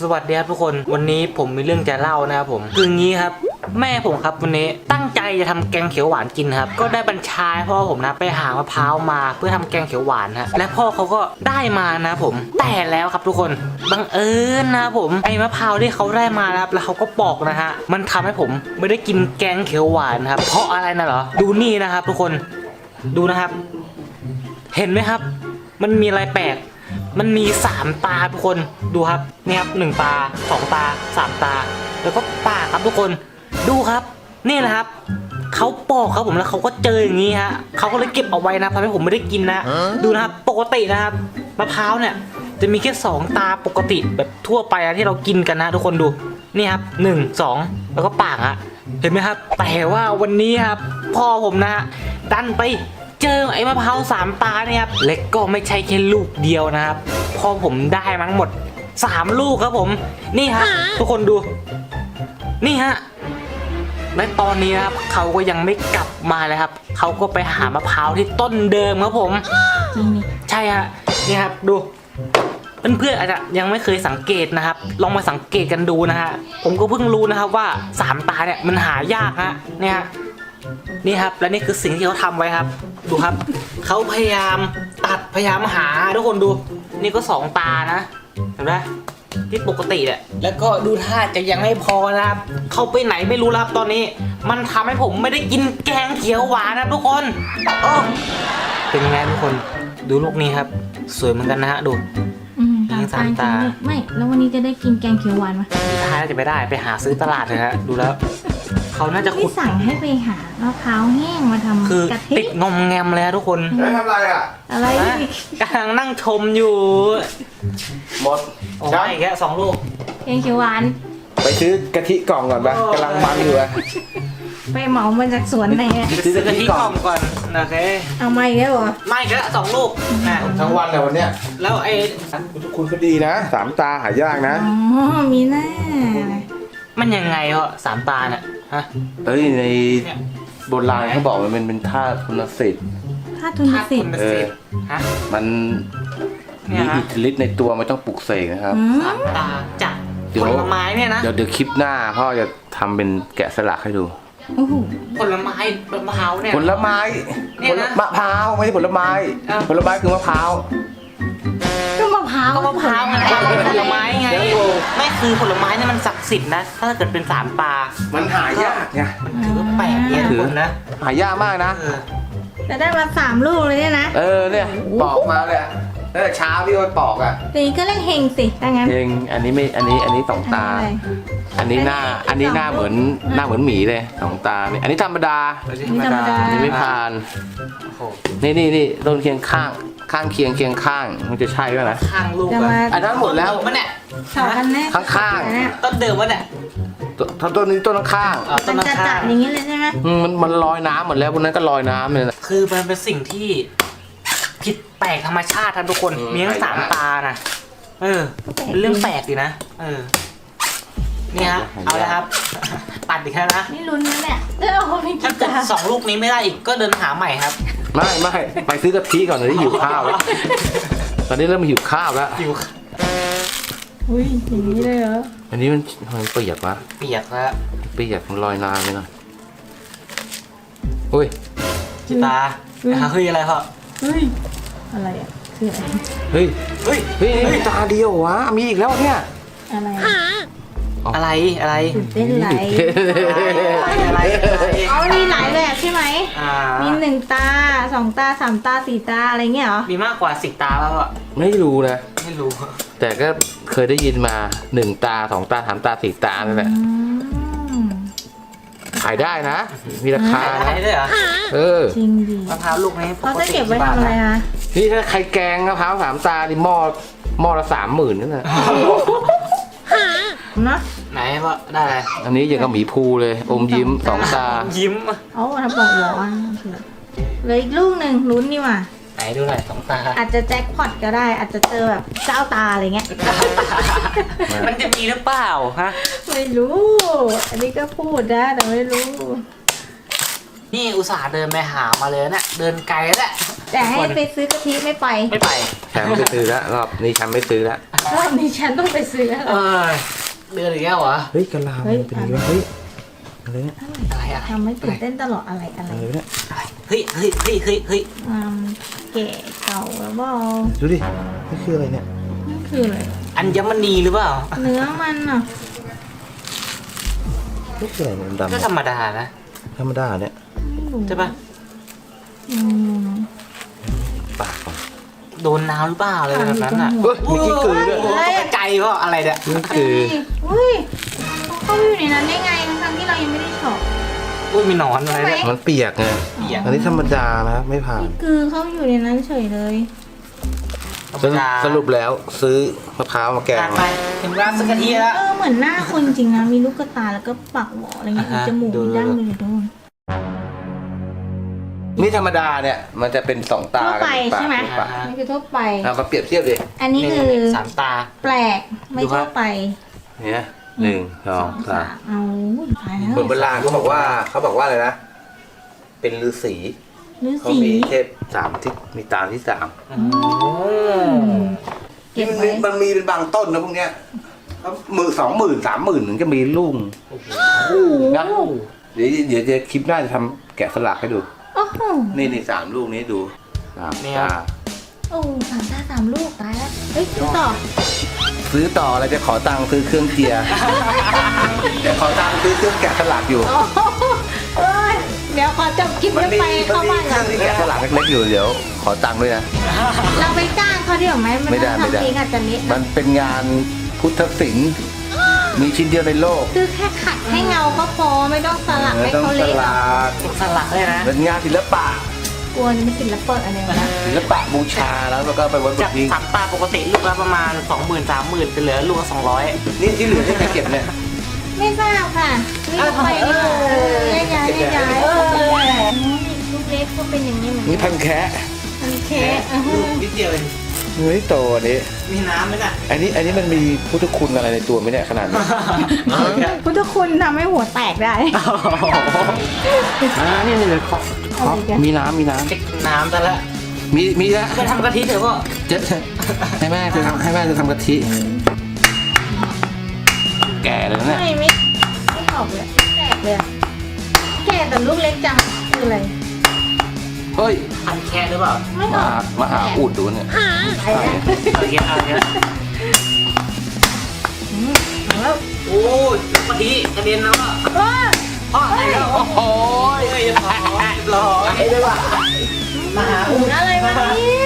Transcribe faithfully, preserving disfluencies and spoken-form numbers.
สวัสดีครับทุกคนวันนี้ผมมีเรื่องจะเล่านะครับผมคืองี้ครับแม่ผมครับวันนี้ตั้งใจจะทำแกงเขียวหวานกินครับก็ได้บัญชาพ่อผมนะไปหามะพร้าวมาเพื่อทำแกงเขียวหวานฮะและพ่อเขาก็ได้มานะผมแต่แล้วครับทุกคนบังเอิญนะผมไอ้มะพร้าวที่เขาได้มาครับแล้วเขาก็ปอกนะฮะมันทำให้ผมไม่ได้กินแกงเขียวหวานครับเพราะอะไรนะเหรอดูนี่นะครับทุกคนดูนะครับเห็นไหมครับมันมีอะไรแปลกมันมีสามตาทุกคนดูครับนี่ครับหนึ่งตาสองตาสามตาแล้วก็ปากครับทุกคนดูครับนี่นะครับเขาปอกครับผมแล้วเขาก็เจออย่างนี้ฮะเขาก็เลยเก็บเอาไว้นะทำให้ผมไม่ได้กินนะดูนะครับปกตินะครับมะพร้าวเนี่ยจะมีแค่สองตาปกติแบบทั่วไปนะที่เรากินกันนะทุกคนดูนี่ครับหนึ่งสองแล้วก็ปากฮะเห็นไหมครับแต่ว่าวันนี้ครับพ่อผมนะดันไปเจอไอ้มะพร้าวสามตาเนี่ยครับเล็กก็ไม่ใช่แค่ลูกเดียวนะครับพอผมได้มาทั้งหมดสามลูกครับผมนี่ฮะทุกคนดูนี่ฮะและตอนนี้นะครับเขาก็ยังไม่กลับมาเลยครับเขาก็ไปหามะพร้าวที่ต้นเดิมครับผมจริงนี่ใช่ฮะนี่ครับดูเพื่อนๆอาจจะยังไม่เคยสังเกตนะครับลองมาสังเกตกันดูนะฮะผมก็เพิ่งรู้นะครับว่าสามตาเนี่ยมันหายากฮะเนี่ยนี่ครับและนี่คือสิ่งที่เขาทำไว้ครับดูครับเขาพยายามตัดพยายามหาทุกคนดูนี่ก็สองตานะเห็นไหมที่ปกติแหละแล้วก็ดูท่าจะยังไม่พอนะครับเขาไปไหนไม่รู้ครับตอนนี้มันทำให้ผมไม่ได้กินแกงเขียวหวานนะทุกคนโอ้เป็นไงทุกคนดูลูกนี้ครับสวยเหมือนกันนะฮะดูยิงสามตาไม่แล้ววันนี้จะได้กินแกงเขียวหวานไหมท้ายจะไม่ได้ไปหาซื้อตลาดเลยฮะดูแล้วเขาน่าจะขุดสั่งให้ไปหามะพร้าวแห้งมาทำคือกะทิติดงอมแงมเลยทุกคนทำอะไรอ่ะอะไรกำลังนั่งชมอยู่หมดใช่แค่สองลูกแกงเขียวหวานไปซื้อกะทิกล่องก่อนปะกำลังมันอยู่อะไปเหมามาจากสวนไหนซื้อกะทิกล่องก่อนโอเคเอาไม่แล้วเหรอไม่ก็สองลูกทั้งวันเลยวันเนี้ยแล้วไอ้คุณก็ดีนะสามตาหายากนะอ๋อมีหน้ามันยังไงเหรอสามตาเนี่ยฮะเอ้ยในโบราณเขาบอกมันเป็นเป็นธาตุทุนศิลป์ธาตุทุนศิลป์เออฮะมันมีอิทธิฤทธิ์ในตัวไม่ต้องปลุกเสกนะครับสามตาจากผลไม้เนี่ยนะเดี๋ยวเดี๋ยวคลิปหน้าพ่อจะทำเป็นแกะสลักให้ดูผลไม้มะพร้าวเนี่ยผลไม้ผลมะพร้าวไม่ใช่ผลไม้ผลไม้คือมะพร้าวก็มะพร้าวก็มะพร้าวไงผลไม้ไงไม่คือผลไม้เนี่ยมันศักดิ์สิทธิ์นะถ้าเกิดเป็นสามตามันหายากไงมันถือแปลกเนี่ยถือนะหายากมากนะแต่ได้มาสามลูกเลยเนี่ยนะเออเนี่ยปอกมาเลยตั้งแต่เช้าที่มันปอกอ่ะนี่ก็เรียกเฮงสิถ้างั้นเฮงอันนี้ไม่อันนี้อันนี้สองตาอันนี้หน้าอันนี้หน้าเหมือนหน้าเหมือนหมีเลยสองตาเนี่ยอันนี้ธรรมดาอันนี้ไม่ผ่านนี่นี่นี่ต้นเคียงข้างข้างเคียงเคียงข้างมันจะใช่ไหมนะข้างลูกอันนั้นหมดแล้วมันเนี่ยข้างข้างต้นเดิมมันเนี่ยต้นต้นนี้ต้นข้างมันจะจัดอย่างนี้เลยใช่ไหมมันมันลอยน้ำหมดแล้วพวกนั้นก็ลอยน้ำเลยนะคือมันเป็นสิ่งที่ผิดแปลกธรรมชาติท่านทุกคนมีทั้งสามตานะเออเป็นเรื่องแปลกดีนะเออนี่ฮะเอาละครับตัดอีกแล้วนะนี่ลุ้นนะเนี่ยถ้าเกิดสองลูกนี้ไม่ได้อีกก็เดินหาใหม่ครับไม่ไม่ไปซื้อกะทิก่อนตอนนี้หิวข้าวแล้วตอนนี้เริ่มหิวข้าวแล้วหิวอุ้ยอย่างนี้เลยเหรออันนี้มันมันเปียกวะเปียกแล้วเปียกมันลอยน้ำเลยนะอุ้ยจิตาเฮ้ยอะไรเหรอเฮ้ยอะไรอ่ะคืออะไรเฮ้ยเฮ้ยเฮ้ยตาเดียววะมีอีกแล้วเนี่ยอะไรอะไรอะไรเต้นไหลอะไรเอามีหลายแบบใช่ไหมมีหนึ่งตาสองตาสามตาสี่ตาอะไรเงี้ยเหรอมีมากกว่าสิบตาแล้วอ่ะไม่รู้นะไม่รู้แต่ก็เคยได้ยินมาหนึ่งตาสองตาสามตาสี่ตานั่นแหละขายได้นะมีราคาได้ด้วยเหรอเออจริงดิมะพร้าวลูกนี้เขาจะเก็บไว้ทำอะไรคะนี่ถ้าใครแกงมะพร้าวสามตาดิหม้อหม้อละสามหมื่นนั่นแหละนะไหนว่าได้อันนี้ยังกับหมีภูเลยอมยิ้มสองตายิ้มโอ้ทำปอกหัวเหลืออีกลูกหนึ่งลุ้นนี่ว่ะไหนดูหน่อยสองตาอาจจะแจ็คพอตก็ได้อาจจะเจอแบบเจ้าตาอะไรเงี้ยมันจะมีหรือเปล่าฮะไม่รู้อันนี้ก็พูดนะแต่ไม่รู้นี่อุตส่าห์เดินไปหามาเลยเนี่ยเดินไกลแล้วแหละแต่ให้ไปซื้อกะทิไม่ไปไม่ไปฉันไม่ซื้อแล้วรอบนี้ฉันไม่ซื้อแล้วรอบนี้ฉันต้องไปซื้ออะไรเออเดือนอีกแล้วเหรอเฮ้ยกะลาเฮ้ยเป็นยังไงเฮ้ยอะไรเนี่ยอะไรอะทำไม่ตื่นเต้นตลอดอะไรอะไรอะไรเนี่ยเฮ้ยเฮ้ยเฮ้ยเฮ้ยเฮ้ยอืมแก่เก่าแล้วบอดูดินี่คืออะไรเนี่ยนั่นคืออะไรอัญมณีหรือเปล่าเนื้อมันอ่ะนี่คืออะไรเนี่ยดำก็ๆธรรมดานะธรรมดาเนี่ยไม่รู้ใช่ปะอืมปากก่อนโดนน้ำหรือเปล่าอะไรแบบนั้นอ่ะเฮ้ยมีกิ้งกือด้วยโอ้โหตกใจเพราะอะไรเนี่ยนี่คืออุ้ยเขาอยู่ในนั้นได้ไงทั้งๆที่เรายังไม่ได้เฉาะอุ้ยมีหนอนอะไรเนี่ยมันเปียกไงเปียกอันนี้ธรรมดานะไม่ผ่านคือเขาอยู่ในนั้นเฉยเลยธรรสมรุปดาสรุปแล้วซื้อมะพร้าวมาแกงไปถึงร้านสักกะทีแล้วเออเหมือนหน้าคนจริงนะมีลูกกระตาแล้วก็ปากหวออะไรเงี้ยมีอ่าฮะจมูกดูมีดั้งเลยอยู่ด้วยนี่ธรรมดาเนี่ยมันจะเป็นสองตาทั่วไปกับใช่ไหมนึ่งปากนี่คือทั่วไปเอามาเปรียบเทียบดิอันนี้คือสามตาแปลกไม่ดูครัทั่วบไปเนี่ยหนึ่งสองสามเอาตายแล้วคนโบราณเขาบอกว่าเขาบอกว่าอะไรนะ เป็นฤาษีฤาเขาษีมีเทพสามทิศมีตาที่สามอืมเก็บมันไว้มีมันมีเป็นบางต้นนะพวกเนี้ยแล้วหมื่นสองหมื่นสามหมื่นถึงจะมีลูกนะเดี๋ยวเดี๋ยวจะคลิปหน้าจะทำแกะสลักให้ดูโอ้โหนี่นี่สามลูกนี้ดูสามนี่ครัตาบโอ้สามตาสามลูกตายแล้วเฮ้ยซื้อต่อซื้อต่ออะไรจะขอตังค์ซื้อเครื่องเจียร์ จะขอตังค์ซื้อเครื่องแกะสลักอยู่โอ้โหเอ้ยเดี๋ยวขอจบคลิปมันแล้วมีไปมันเข้ามีบ้านเคกัรื่อน งที่แกะสลักเล็กๆอยู่เดี๋ยวขอตังค์ด้วยนะเราไปจ้างเขาเดี๋ยวไหมมันไม่ได้ไม่ได้ทำเองอาจจะเละมันเป็นงานพุทธศิลป์มีชิ้นเดียวในโลกคือแค่ขัดให้เงาก็พอไม่ต้องสลักให้ต้องเขาสเละลักสลักเลยนะเป็นงานศิลปะกลัวจะไม่ศิลปะอะไรวะนะศิลปะบูชาแล้วก็ไปวันบุจากญสามตาปกติลูกละประมาณสองหมื่นสามหมื่นจะเหลือลูกละสองร้อยนี่ที่เหลือที่ใครเก็บเนี่ยไม่ทราบค่ะนี่ก็ไปนี่เออย้ายย้ายย้ายลูกเล็กก็เป็นอย่างนี้เหมือนนี่กัพันนแคะมีแค่อื้อหืลูอกนิดเดียวเองนี่โตอันนี้มีน้ำไหมน่ะอันนี้อันนี้มันมีพุทธคุณอะไรในตัวไหมเนี่ยขนาดนี้พุทธคุณทำให้หัวแตกได้อ่านี่นี่เลยขอขอมีน้ำมีน้เช็คน้ำซะแล้วำมีมีแล้วจะทำกะทิเถอะพ่อเจ๊ให้แม่เธอทำให้แม่เธอทำกะทิ แก่เลยนะเนี่ยไม่ไม่ไม่ออกเลยแตกเลยอะแก่แต่ลูกเล็กจังคืออะไรเฮ้ยพันแค่หรือเปล่าไม่อมาอกมาหาอุดดูเนี่ยไปแล้วเอาเยอะเอาเยอะอืมเอาแล้วโอ้ยกะทิกระเด็นแล้วอ่ะว้าพ่ออะไรแล้วโอ้ยเรียบร้อยเรียบร้อยเลยว่ะมาหาถุงอะไรมาเนี่ย